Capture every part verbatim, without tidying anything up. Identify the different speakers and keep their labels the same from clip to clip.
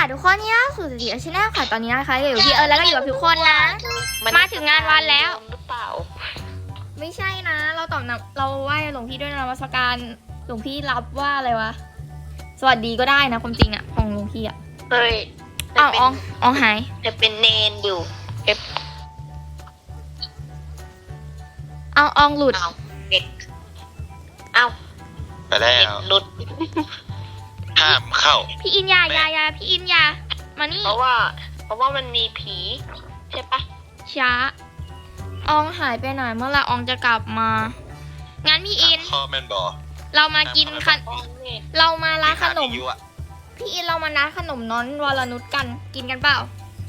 Speaker 1: ทุกคนนี่ล่าสุดสีชแนลค่ะตอนนี้นะคะอยู่พี่เอิร์ธแล้วก็อยู่กับทุกคนนะมาถึงงานวันแล้ว
Speaker 2: หรือเปล่า
Speaker 1: ไม่ใช่นะ เราตอบนะเราไหว้หลวงพี่ด้วยนมัสการหลวงพี่รับว่าอะไรวะสวัสดีก็ได้นะความจริงอะของหลวงพี่อะ
Speaker 2: เฮ้ย
Speaker 1: อ้าวอองอองหาย
Speaker 2: จะเป็นเนนอยู่เอฟ
Speaker 1: เอาอองหลุด
Speaker 2: เอาเด็กเอา
Speaker 3: ไปแล้ว
Speaker 2: หลุด
Speaker 3: ห้ามเข้า
Speaker 1: พี่อินยายายาพี่อินยามานี่
Speaker 2: เพราะว่า เพราะว่ามันมีผีใช่ปะ
Speaker 1: ช้าอองหายไปไหนเมื่อไหร่อองจะกลับมางั้นพี่อิน
Speaker 3: ข้อแมนบอ
Speaker 1: เรามากินขนเรามาร้านขนม
Speaker 3: พี่
Speaker 1: พี่อินเรามาร้านขนมน้อนวรนุชกันกินกันเปล่า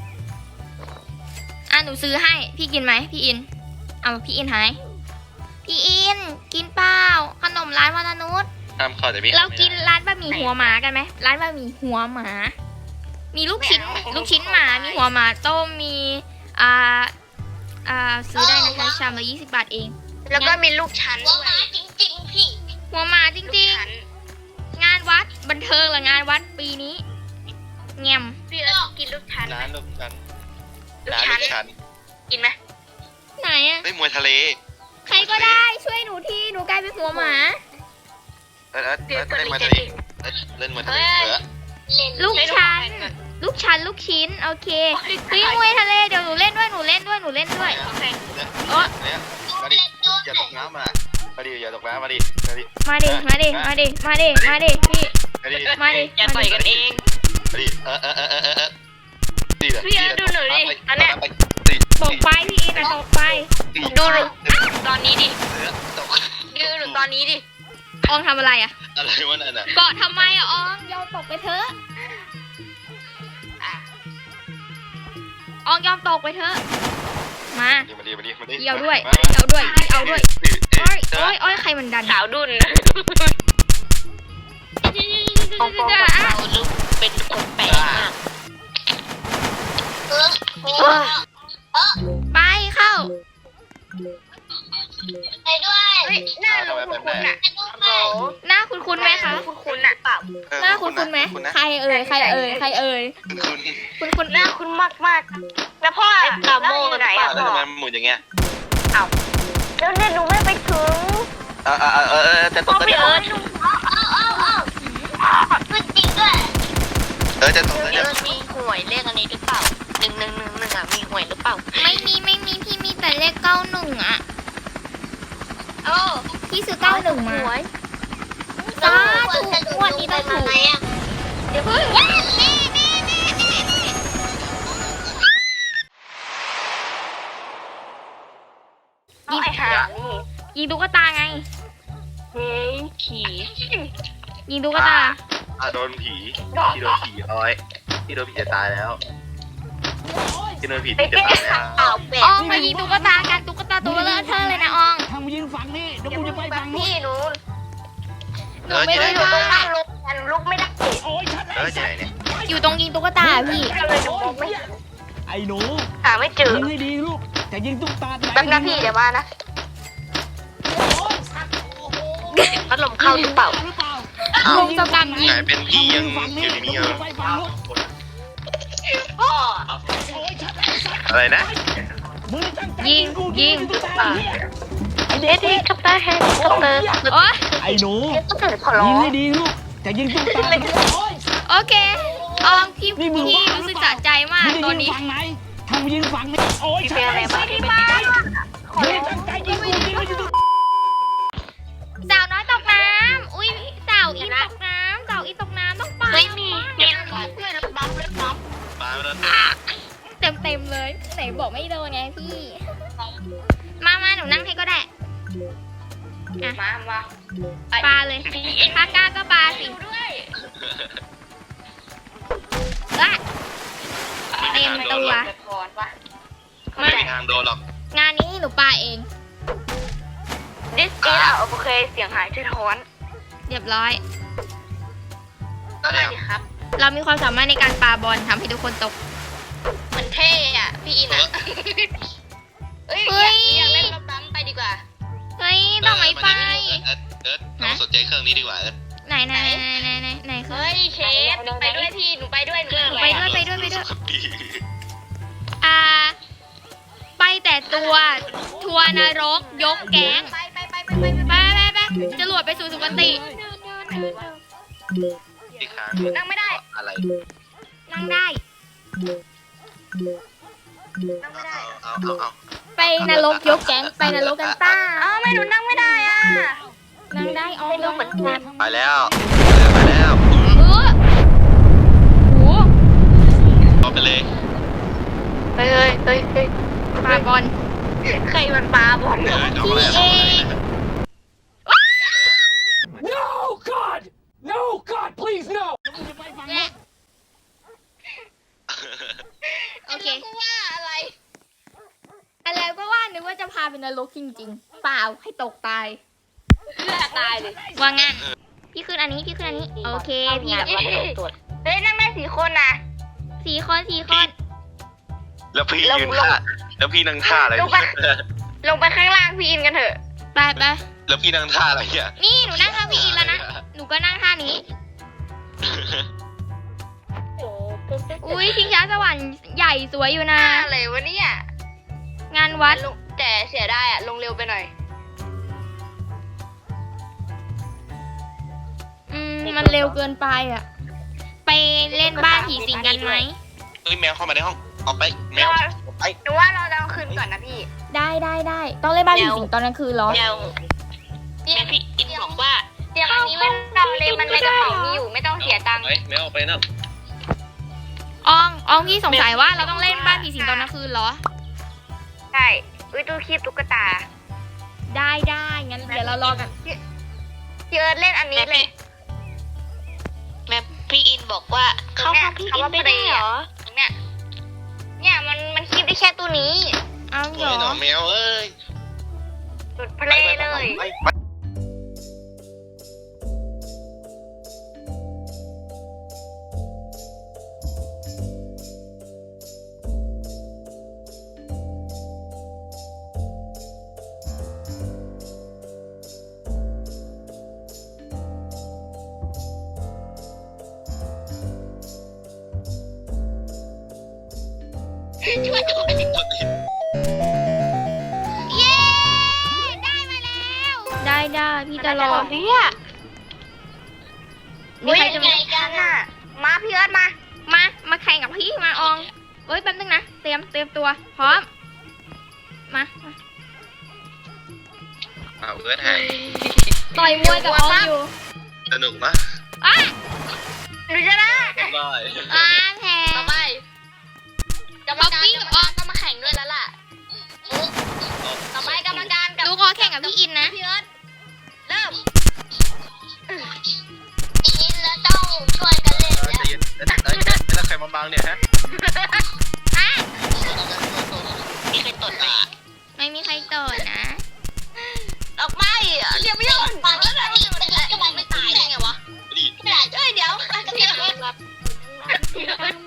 Speaker 1: อ่ะหนูซื้อให้พี่กินไหมพี่อินเอาพี่อินหายพี่อินกินเปล่าขนมร้านวรนุช
Speaker 3: ห้ามเข้าแต่พี่
Speaker 1: เรากินร้านบะหมี่หัวหมากันไหมร้านบะหมี่หัวหมามีลูกชิ้นลูกชิ้นหมามีหัวหมาต้มมีอ่าอ่าซื้อได้นะคะชามละยี่สิบบาทเอง
Speaker 2: แล้วก็มีลูกชั้นด้วยจริงๆพี่
Speaker 1: หัวหมาจริงๆงานวัดบันเทิงหรืองานวัดปีนี้แงม
Speaker 2: พี่เอิร์ธกินลูกชั้น
Speaker 3: ร้านลูกชั้นร้านลูกชั้น
Speaker 2: กินไหม
Speaker 1: ไหนอะ
Speaker 3: ไม่มวยทะเล
Speaker 1: ใครก็ได้ช่วยหนูที่หนูกลายเป็นหัวหมา
Speaker 3: เออเออเล่นมวยทะเลเล่นมวยทะเลเออ
Speaker 1: ลูกชั้นลูกชั้นลูกชิ้นโอเคพี่มวยทะเลเดี๋ยวหนูเล่นด้วยหนูเล่นด้วยหนูเล่นด้วย
Speaker 3: เออมาดิอย่าตกน้ำมามาดิอย่าตกน้ำมาดิมาดิ
Speaker 1: มาดิมาดิมาดิมาดิมาดิพี่มาดิ
Speaker 2: อย่าต่อยกันเอง
Speaker 3: มาดิเออเออเออเออเออ
Speaker 2: พี่เอิร์ธดูหนูดิอันเนี้ย
Speaker 1: ตกไปพี่อินตกไป
Speaker 2: ดูหนูตอนนี้ดิดูหนูตอนนี้ดิ
Speaker 1: อองทำอะไรอะ
Speaker 3: อะไรวะนั่นอะ
Speaker 1: เกาะทำไมอะอองยอมตกไปเถอะอองยอมตกไปเถอะมา
Speaker 3: มาดิมาดิมาดิ
Speaker 1: เกี่ยวด้วยเกี่ยวด้วยเกี่ยวด้วยโอ้ยโอ้ยโอ้ยใครมันดัน
Speaker 2: สาวดุนปองปองเราลูกเป็นคนแปลกมาก
Speaker 1: ไปเข้า
Speaker 2: ไปด้วยหน้าหนูคุ้นๆน่ะ
Speaker 1: หน้าคุ้นๆไหมคะ
Speaker 2: คุ้นๆน่ะเปล่า
Speaker 1: หน้าคุ้นๆไหมใครเอ่ยใครเอ่ยใครเอ่ย
Speaker 3: คุณ
Speaker 1: คุณ
Speaker 2: หน้าคุ้นมากมากแล้วพ่อตาโม่ไหนอ่ะ
Speaker 3: พ่อทำไมหมุนอย่างเงี้ย
Speaker 2: อ้าวแล้วเนี่ยหนูไม่ไปถึง
Speaker 3: เออเออเออเออจะตกก็จะ
Speaker 2: เออเออเออขึ้นจริงด้วย
Speaker 3: เออจะตกแล้วจะ
Speaker 2: มีหวยเลขอันนี้หรือเปล่าหนึ่งหนึ่งหนึ่งหนึ่งอ่ะมีหวยหรือเปล่า
Speaker 1: ไม่มีไม่มีพี่มีแต่เลขเก้าหนึ่งอ่ะ
Speaker 2: โอ้
Speaker 1: พี่ซื้อเก้าหนึ่งมาสาธุวันนี้ต้องถูก
Speaker 2: เดี๋ยวเพิ่ง
Speaker 1: ยิงยิงตุ๊กตาไง
Speaker 2: เฮ้ยขี่
Speaker 1: ยิงตุ๊กตา
Speaker 3: อ่ะโดนผีที่โดนผีอ้อยที่โดนผีจะตายแล้วที่โดนผีจะตายแล้ว
Speaker 1: อองมายิงตุ๊กตากันตุ๊กตาตัวเลอะเทอะเลยนะออง
Speaker 4: ทางมายิงฝั่งนี้เดี๋ยวกูจะไปฝั่ง
Speaker 2: นี้หนู
Speaker 1: หนูไม่ได้
Speaker 2: อยู่ตรงนั่งลุกกันลุกไม่ได้
Speaker 3: เออที่ไหนเนี่ย
Speaker 1: อยู่ตรงยิงตุ๊กตาพี่
Speaker 4: ไอ้หนู
Speaker 2: หาไม่เจอ
Speaker 4: ยิงให้ดีลูกแต่ยิงตุ๊กตา
Speaker 2: แป๊บนะพี่เดี๋ยวมานะพัดลมเข้าหรือเปล่า
Speaker 1: ลงจะกำยิง
Speaker 3: เป็นพี่ยังอยู่ในนี้เอออะไรนะ
Speaker 1: ยิงยิง
Speaker 2: ไอเด็ดคัปเตอร์แฮนด์คัปเตอร์
Speaker 1: โอ้
Speaker 4: ไอ้หนูยิงให้ดีลูกแต่ยิงตุ๊กตา
Speaker 1: โอเคอองพี่พี่รู้สึกสะใจมากตอนนี้
Speaker 4: ทางยิงฝั่งนี้โอ้ย
Speaker 2: เป็นอะไรบ้างที่บ้าน
Speaker 1: สาวน้อยตกน้ำอุ้ยสาวอีตกน้ำสาวอีตกน้ำต้องไป
Speaker 2: ไม่มีเด็กเพื่อนบัมเลยบัม
Speaker 1: เต็มเต็มเลยไหนบอกไม่โดนไงพี่มามาหนูนั่งให้ก็ได้
Speaker 2: มามา
Speaker 1: ปลาเลยถ้ากล้าก็ปลาสิละเต็มตัว
Speaker 3: ไม่มีทางโดนหรอก
Speaker 1: งานนี้หนูปลาเอง
Speaker 2: ดิสกี้อ่ะโอเคเสียงหายที่ท้อน
Speaker 1: เรียบร้อย
Speaker 2: ก็ได้ครับ
Speaker 1: เรามีความสามารถในการปาบอลทำให้ทุกคนตก
Speaker 2: เหมือนเท่อะพี่อินอะเฮ้ยอยากเล่นรถบัมไปดีกว่า
Speaker 1: เฮ้ยต้องไม่ไป
Speaker 3: เอิร์ธเอิร์ธเราสนใจเครื่องนี้ดีกว่าเอิร์ธ
Speaker 1: ไหนไหนไหนไหนไหน
Speaker 2: เฮ้ยเชฟหนูไปด้วยพี่หนูไปด้วยหนู
Speaker 1: ไปตัวทัวร์นรกยกแก๊ง
Speaker 2: ไปไปไปไปไป
Speaker 1: ไปไปไปจรวดไปสู่สุคติ
Speaker 3: ที่ค้าง
Speaker 2: นั่งไม่ได้
Speaker 3: อะไร
Speaker 1: นั่งได้
Speaker 2: นั่งไม่ได้
Speaker 3: เอาเอาเอา
Speaker 1: ไปนรกยกแก๊งไปนรกกันป้า
Speaker 2: เอ้าไม่หนูนั่งไม่ได้อ่ะ
Speaker 1: นั่งได้ออมเหมือนกัน
Speaker 3: ไปแล้วไปแล้ว
Speaker 1: เออโห
Speaker 3: เอาไปเลย
Speaker 2: เฮ้ยเฮ้ยเฮ้ยเฮ้ย
Speaker 1: ปาบอล
Speaker 2: ใครมันปลาบอล
Speaker 3: เออเอาอะไรเอาอะไร
Speaker 4: No God No God please no
Speaker 1: โอเค
Speaker 2: กูว่าอะไร
Speaker 1: อะไรก็ว่านึกว่าจะพาไปนรกจริงๆ เปล่าให้ตกตาย
Speaker 2: เลือดตายเลย
Speaker 1: ว่างั้นพี่ขึ้นอันนี้พี่ขึ้นอันนี้ โอเคพี่แบบ
Speaker 2: เฮ้ยนั่งได้สี่คนนะ
Speaker 1: สี่คนสี่คน
Speaker 3: แล้วพี่ยืนท่าแล้วพี่นั่งท่าอะไร
Speaker 2: ลงไปลงไปข้างล่างพี่อินกันเถอะ
Speaker 1: ไปไป
Speaker 3: แล้วพี่นั่งท่าอะไรเนี่ย
Speaker 1: นี่หนูนั่งข้างพี่อินแล้วนะ หนูก็นั่งท่านี้ อุ้ยชิงช้าสวรรค์ใหญ่สวยอยู่นะ
Speaker 2: อะไรวะเนี่ย
Speaker 1: งานวัด
Speaker 2: ลงแต่เสียได้อะลงเร็วไปหน่อย
Speaker 1: อืมมันเร็วเกินไปอ่ะ ไปเล่นบ้านผีสิงกันไหม
Speaker 3: เฮ้ยแมวเข้ามาในห้องออกไปแมวออกไป
Speaker 2: หนูว่าเราจะเอาคืนก่อนนะพี่
Speaker 1: ได้ได้ได้ต้องเล่นบ้านผีสิงตอนกลางคืนเหรอ
Speaker 2: เดี๋ยวแม่พี่อินบอกว่าเดี๋ยวอันนี้ไม่ต้องเลยมันในกระเป๋ามีอยู่ไม่ต้องเสียตังค์
Speaker 3: ไปแมวออกไปนะ
Speaker 1: อองอองพี่สงสัยว่าเราต้องเล่นบ้านผีสิงตอนกลางคืนเหรอ
Speaker 2: ใช่อุ้ยตู้คีบตุ๊กตา
Speaker 1: ได้ได้งั้นเดี๋ยวเรารอกัน
Speaker 2: พี่เอิร์ธเล่นอันนี้เลย
Speaker 5: แม่พี่อินบอกว่าเข้าห้องพี่อินไม่ได้เหรอ
Speaker 2: เนี่ยเนี่ยมันมันคีบได้แค่ตัวนี้
Speaker 1: เอาเหร
Speaker 3: เฮ้ยหนอ
Speaker 1: อ
Speaker 3: แมวเอ้ย
Speaker 2: สุดเพลย์เลย
Speaker 3: ไปไป
Speaker 2: ช่วยด้วย
Speaker 1: เย้ ได้มาแล้ว ได้ได้พี่จะรอ
Speaker 2: เนี่ย
Speaker 1: มีใครจะ
Speaker 2: ไงกันอ่ะมาพี่เอิร์ธมา
Speaker 1: มา มาแข่งกับพี่มาอองเอ้ยแป๊บนึงนะ เตรียมเตรียมตัว พร้อม มามา
Speaker 3: เอาเอิร์ธหาย
Speaker 1: ต่อยมวยกับอองอยู่
Speaker 3: สนุกนะ
Speaker 1: อ่ะ
Speaker 2: หนูจะได้
Speaker 3: ได้
Speaker 1: อ่าแพ้
Speaker 2: ต่อไปกรรมการกรรมการก็มาแข่งด้วยแล้วล่ะต่อไปกรรมการกับ
Speaker 1: ดูขอแข่งกับพี่อินนะ
Speaker 2: พี่เอิร์ธเริ่ม
Speaker 5: อินแล้วต้องช่วยกันเล่น
Speaker 3: เออใจเย็นเอ้ยเอ้ยแล้วใครมาบังเนี่ยฮะ
Speaker 1: อ่ะ
Speaker 5: มีใครตดไหม
Speaker 1: ไม่มีใครต่อยนะ
Speaker 2: ออกไปเรียบร้อย
Speaker 5: ตอนนี้มันยิงมันยิงก็มันไม่ตายได้ไงวะ
Speaker 3: ดี
Speaker 2: เอ้ยเดี๋ยวพี่เอิร์ธ
Speaker 5: พี่เอิร์ธ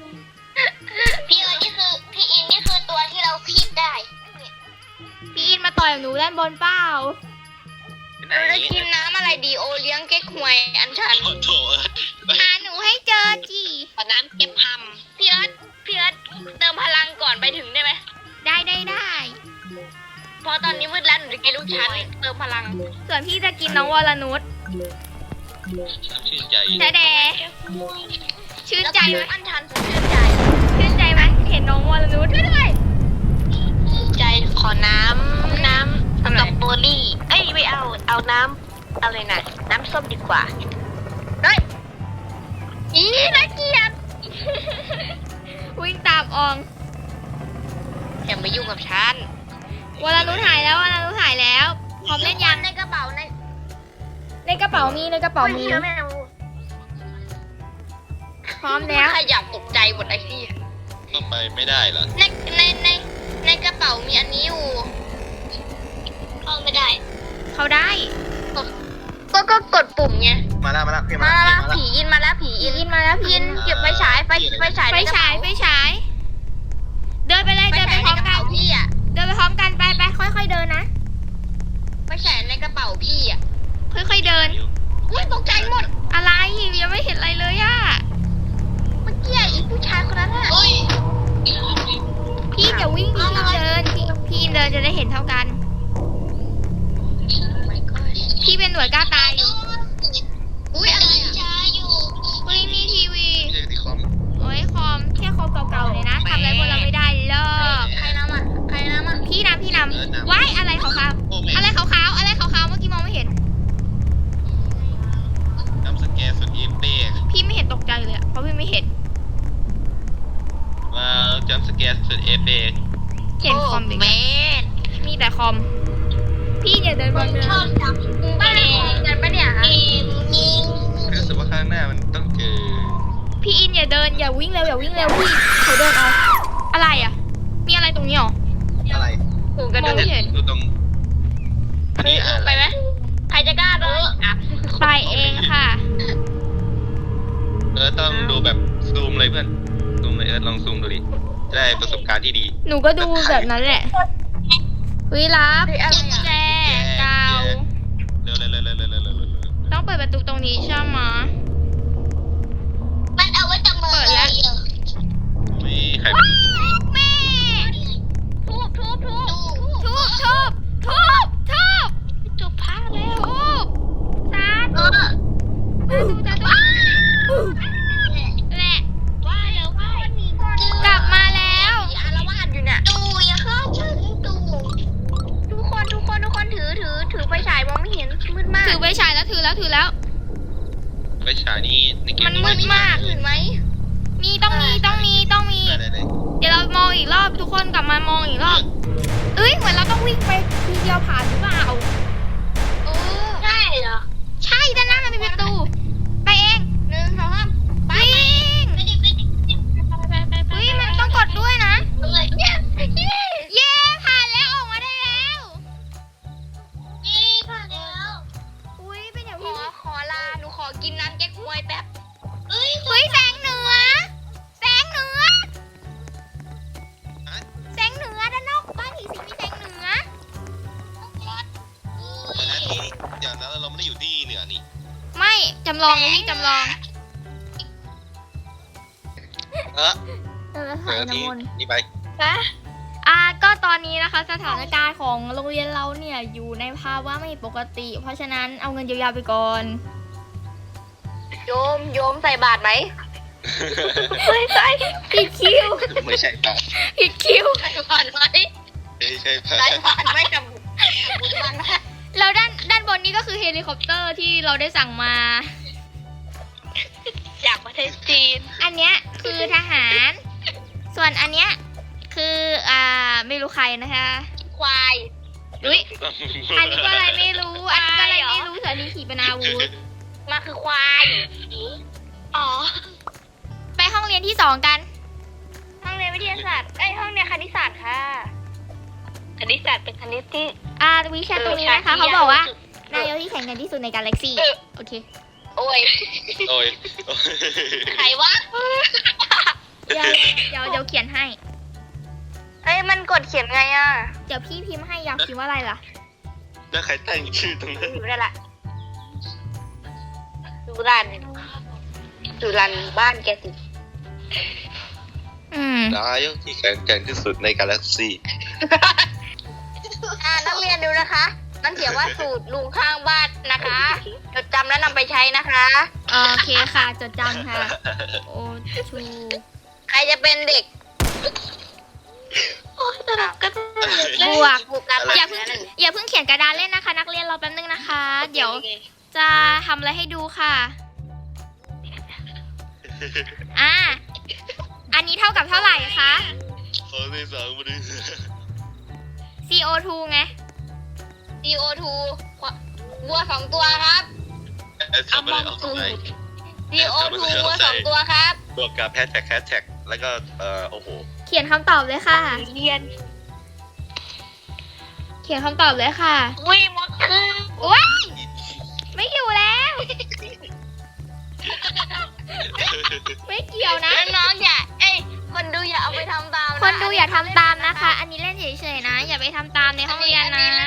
Speaker 5: นี่คือพี่อินนี่คือตัวที่เราคีบได้
Speaker 1: พี่อินมาต่อยกับหนูด้านบนเปล่า
Speaker 3: ไปไหน
Speaker 2: เราจะกินน้ำอะไรดีโอเลี้ยงเก๊กฮวยอันชัน
Speaker 3: โอ้โถเอ้ย
Speaker 1: หาหนูให้เจอจี
Speaker 5: ขอน้ำเก็บห
Speaker 2: พี่เอิร์ธพี่เอิร์ธเติมพลังก่อนไปถึงได้ไหม
Speaker 1: ได้ได้ได้
Speaker 2: เพราะตอนนี้มืดแล้วหนูจะกินลูกชั้นเติมพลัง
Speaker 1: ส่วนพี่จะกินน้องวรนุช
Speaker 3: ชื่นใจ
Speaker 1: แต่แดชื่นใจไหม
Speaker 2: อันชันสุดชื่นใจ
Speaker 1: ชื่นใจไหมเห็นน้องวรนุชด้วย
Speaker 5: ำใจขอน้ำน้ำสตรอเบอรี่เอ้ยไม่เอาเอาน้ำอะไรนะน้ำส้มดีกว่า
Speaker 2: เฮ้ยอีน่าเกลียด
Speaker 1: วิ่งตามออง
Speaker 5: อย่ามายุ่งกับฉัน
Speaker 1: วรนุชหายแล้ววรนุชหายแล้วพร้อมเล่นยัง
Speaker 2: ในกระเป๋าใน
Speaker 1: ในกระเป๋ามีในกระเป๋ามี
Speaker 2: เชื่อแม่เอา
Speaker 1: พร้อมแล้ว
Speaker 2: ขยับตกใจหมดไอ้ที่
Speaker 3: ก็ไปไม่ได้เหรอ
Speaker 2: ในในในในกระเป๋ามีอันนี้อยู่
Speaker 5: เข้าไม่ได้
Speaker 1: เขาได้
Speaker 2: ก็ก็กดปุ่มไง
Speaker 3: มาแล้วมาแล้วพี่
Speaker 2: มา
Speaker 3: มา
Speaker 2: แล้ว
Speaker 3: แล้ว
Speaker 2: ผีอินมาแล้วผี
Speaker 1: อิ
Speaker 2: อิ
Speaker 1: น
Speaker 2: น
Speaker 1: อินมาแล้ว
Speaker 2: ผี
Speaker 1: พิ
Speaker 2: อิ
Speaker 1: น
Speaker 2: นเก็บไฟฉายไฟไฟฉาย
Speaker 1: ไฟฉายไฟฉาย เดินไปเลย
Speaker 2: ไฟ
Speaker 1: เดินไป
Speaker 2: ฉาย
Speaker 1: พ
Speaker 2: ใน
Speaker 1: ร้อม
Speaker 2: กระ
Speaker 1: กั
Speaker 2: เป๋าน พี่อ่ะ
Speaker 1: เดินไปพร้อมกันไปไปค่อยๆเดินนะ
Speaker 2: ไฟฉายในกระเป๋าพี่อ่ะ
Speaker 1: ค่อยๆเดิน
Speaker 2: อุ้ยตกใจหมด
Speaker 1: อะไรยังไม่เห็นอะไรเลยอะ
Speaker 2: เมื่อกี้อีผู้ชายคนนั้นอ่ะ
Speaker 5: เฮ้ย
Speaker 1: พี่จะวิ่งพี่เดินพี่พี่เดินจะได้เห็นเท่ากัน พี่เป็นหน่วยกล้าตายอยู่
Speaker 2: อุ้ยอะไรช้าอยู่
Speaker 1: เฮ้ยมีทีวี
Speaker 3: เรียกที่คอม
Speaker 1: โอ้ยคอมแค่คอมเก่าๆเลยนะทำอะไรพวกเราไม่ได้เลิก
Speaker 2: ใครน้ำอ่ะใครน้ำอ่ะ
Speaker 1: พี่นำพี่นำว้ายอะไรขาวๆอะไรขาวๆอะไรขาวๆเมื่อกี้มองไม่เห็น
Speaker 3: น้ำสแกนสุดเอเป้
Speaker 1: พี่ไม่เห็นตกใจเลยอะเพราะพี่ไม่เห็น
Speaker 3: มาจัมสแกนสุดเอเป้
Speaker 1: เห็นคอมเด็ก
Speaker 5: เมน
Speaker 1: มีแต่คอม พี่อย่าเดินบนเนิ
Speaker 2: ชอน บจับบ้านของกันปะเนี่ยฮะ
Speaker 3: รู้สึกว่าข้างหน้ามันต้องเจอ
Speaker 1: พี่อินอย่าเดินอย่าวิ่งเร็วอย่าวิ่งเร็วพี่เขาเดินเอาอะไรอะมีอะไรตรงนี้หรอ
Speaker 3: อะไร
Speaker 2: หูกระ
Speaker 1: มอง
Speaker 2: ดู
Speaker 1: ไม่
Speaker 2: ก
Speaker 1: เห็น
Speaker 3: ดูตรงอันนี้อะ
Speaker 2: ไป
Speaker 3: ไร
Speaker 2: ไหมใครจะกล้าเดินอ่ะ
Speaker 1: ไปเองค่ะ
Speaker 3: เออต้องดูแบบซูมเลยเพื่อนซูมเลยเออลองซูมดูดิจะได้ประสบการณ์ที่ดี
Speaker 1: หนูก็ดูแบบนั้นแหละเฮ้ยรับแจกาว
Speaker 3: เร็วเร็วเร็วเร็วเร็วเร็วเร็วเร็ว
Speaker 1: ต้องเปิดประตูตรงนี้ใช่ไหม
Speaker 2: มันเอาไว้จับมือ
Speaker 1: เปิดแล้ว
Speaker 3: มีใคร
Speaker 1: แม่
Speaker 2: ทุบทุบทุบ
Speaker 1: ทุบทุบทุบทุบ
Speaker 5: จุบผ้าแล้ว
Speaker 1: ทุบสา
Speaker 2: เอ
Speaker 1: ธุ
Speaker 2: อ
Speaker 1: สาธุสาธุแหละ
Speaker 2: ว่าแล้วว่าก
Speaker 1: ลับมาแล้ว
Speaker 2: อารวาสอยู่เนี่ยดูอย่าเข้าฉันดูทุกคนทุกคนทุกคนถือถือถือไฟฉายมองไม่เห็นมืดมาก
Speaker 1: ถือไปฉายแล้วถือแล้วถือแล้ว
Speaker 3: ไปฉายนี่ในเกม
Speaker 1: มันมืดมาก
Speaker 2: อื่นไหม
Speaker 1: มีต้องมีต้องมีต้องมี
Speaker 3: ได้ได้ได้
Speaker 1: เดี๋ยวเรามองอีกรอบทุกคนกลับมามองอีกรอบ เอ้ยเหมือนเราต้องวิ่งไปทีเดียวผ่านหรือเปล่า
Speaker 2: โอ้ใช่เหรอ
Speaker 1: ใช่ด้านหน้ามันเป็นประตู ไปเอง
Speaker 2: หนึ่งสองสามไป
Speaker 1: วิ่ง
Speaker 2: ไปดิไปดิไปไปไป
Speaker 1: เฮ้ยมันต้องกดด้วยนะ
Speaker 2: เลยเย้เย้
Speaker 1: เย้ผ่านแล้วออกมาได้แล้ว
Speaker 2: นี่ผ่านแล้ว
Speaker 1: อุ้ยเป็นอย่าง
Speaker 2: ข
Speaker 1: นี้
Speaker 2: อขอลาหนูขอกินน้ำแก๊กฮวยแป๊บเอ้ย
Speaker 1: เฮ้ยแสงเหนือ แสงเหนือ แสงเหนือด้านนอกบ้านผีสิงมีแสงเหนือ
Speaker 3: แต่นั้นนี่เดี๋ยวนะเราไม่ได้อยู่ที่เหนือนี่
Speaker 1: ไม่จำลองพี่จำลอง
Speaker 3: เออ
Speaker 1: เออ
Speaker 3: เดี๋
Speaker 1: ถ่าย
Speaker 3: ยว
Speaker 1: น้ำ
Speaker 3: ที่
Speaker 1: มนต์
Speaker 3: นี่ไป
Speaker 2: นะ
Speaker 1: อ่าก็ตอนนี้นะคะสถานการณ์ของโรงเรียนเราเนี่ยอยู่ในภาวะไม่ปกติ เพราะฉะนั้นเอาเงินเยียวยาไปก่อน
Speaker 2: โยมโยมใส่บาตรไหมไม่ใส่
Speaker 1: ผิดคิว
Speaker 3: ไม่ใช่ปะ
Speaker 1: ผิดคิว
Speaker 2: ใส่บาตรไหม
Speaker 3: ไม่ใช่ปะ
Speaker 2: ใส่บาตรไหมกับบุญบ้านนะ
Speaker 1: แล้วด้านด้านบนนี้ก็คือเฮลิคอปเตอร์ที่เราได้สั่งมา
Speaker 2: จากประเทศจีน
Speaker 1: อันเนี้ยคือทหาร ส่วนอันเนี้ยคืออ่าไม่รู้ใครนะคะ
Speaker 2: ควาย
Speaker 1: อุ้ยอันนี้ก็อะไรไม่รู้ อันนี้ก็อะไรไม่รู้ส่วนอันนี้ขี่เป็นอาวุธ
Speaker 2: มาคือควาย อ๋อ
Speaker 1: ไปห้องเรียนที่สองกัน
Speaker 2: ห้องเรียนวิทยาศาสตร์เอ้ยห้องเรียนคณิตศาสตร์ค่ะ คณิตศาสตร์เป็นคณิตที่
Speaker 1: อ่าวิชาตรงนี้นะคะเขาบอกว่านายกที่แข็งแกร่งที่สุดในกาแล็กซี่ โอเค
Speaker 2: โอ้ย
Speaker 3: โอ้ย
Speaker 2: ใครวะ
Speaker 1: เดี๋ยวเดี๋ยวเดี๋ยวเขียนให้
Speaker 2: เอ้ยมันกดเขียนไงอ่ะ
Speaker 1: เดี๋ยวพี่พิมพ์ให้อยากพิมพ์ว่าอะไรล่ะ
Speaker 3: แล้วใครตั้งชื่อตรงนั้น
Speaker 2: อยู่ได้ละดูรันดูรันบ้านแกสิ
Speaker 1: อืม
Speaker 3: นายกที่แข็งแกร่งที่สุดในกาแล็กซี่
Speaker 2: อ่านักเรียนดูนะคะ มันเขียนว่าสูตรลุงข้างบ้านนะคะจดจำแล้วนำไปใช้นะคะ
Speaker 1: โอเคค่ะจดจำค่ะ โอชู
Speaker 2: ใครจะเป็นเด็ก
Speaker 5: โอ้ยแต่เราก็
Speaker 1: บวก
Speaker 2: บุกการ
Speaker 1: อย่าเพิ่งอย่าเพิ่งเขียนกระดานเล่นนะคะ นักเรียนรอแป๊บนึงนะคะ เดี๋ยวจะทำอะไรให้ดูค่ะ อ่า อันนี้เท่ากับเท่าไหร่คะ
Speaker 3: ขอที่สองมาดู
Speaker 1: ซี โอ ทู ไง
Speaker 2: ซี โอ ทู วัวสองตัวครับ
Speaker 3: เอามาเอาตรงไหน
Speaker 2: ซี โอ ทู วัวสองตัวครับ
Speaker 3: บวกกับแฮชแท็กแฮชแท็กแล้วก็เอ่อโอ้โห
Speaker 1: เขียนคำตอบเลยค่ะ
Speaker 2: เรียน
Speaker 1: เขียนคำตอบเลยค่ะ
Speaker 2: วิ่งมดคือ
Speaker 1: โอ๊ยไม่อยู่แล้ว ไม่เกี่ยวนะ
Speaker 2: น้องๆอย่า เอ้ย คนดูอย่าเอาไปทำตามะ
Speaker 1: คนดูอย่าทำตามนะคะ อันนี้เล่นเฉยๆนะ อย่าไปทำตามในห้องเรียนนะ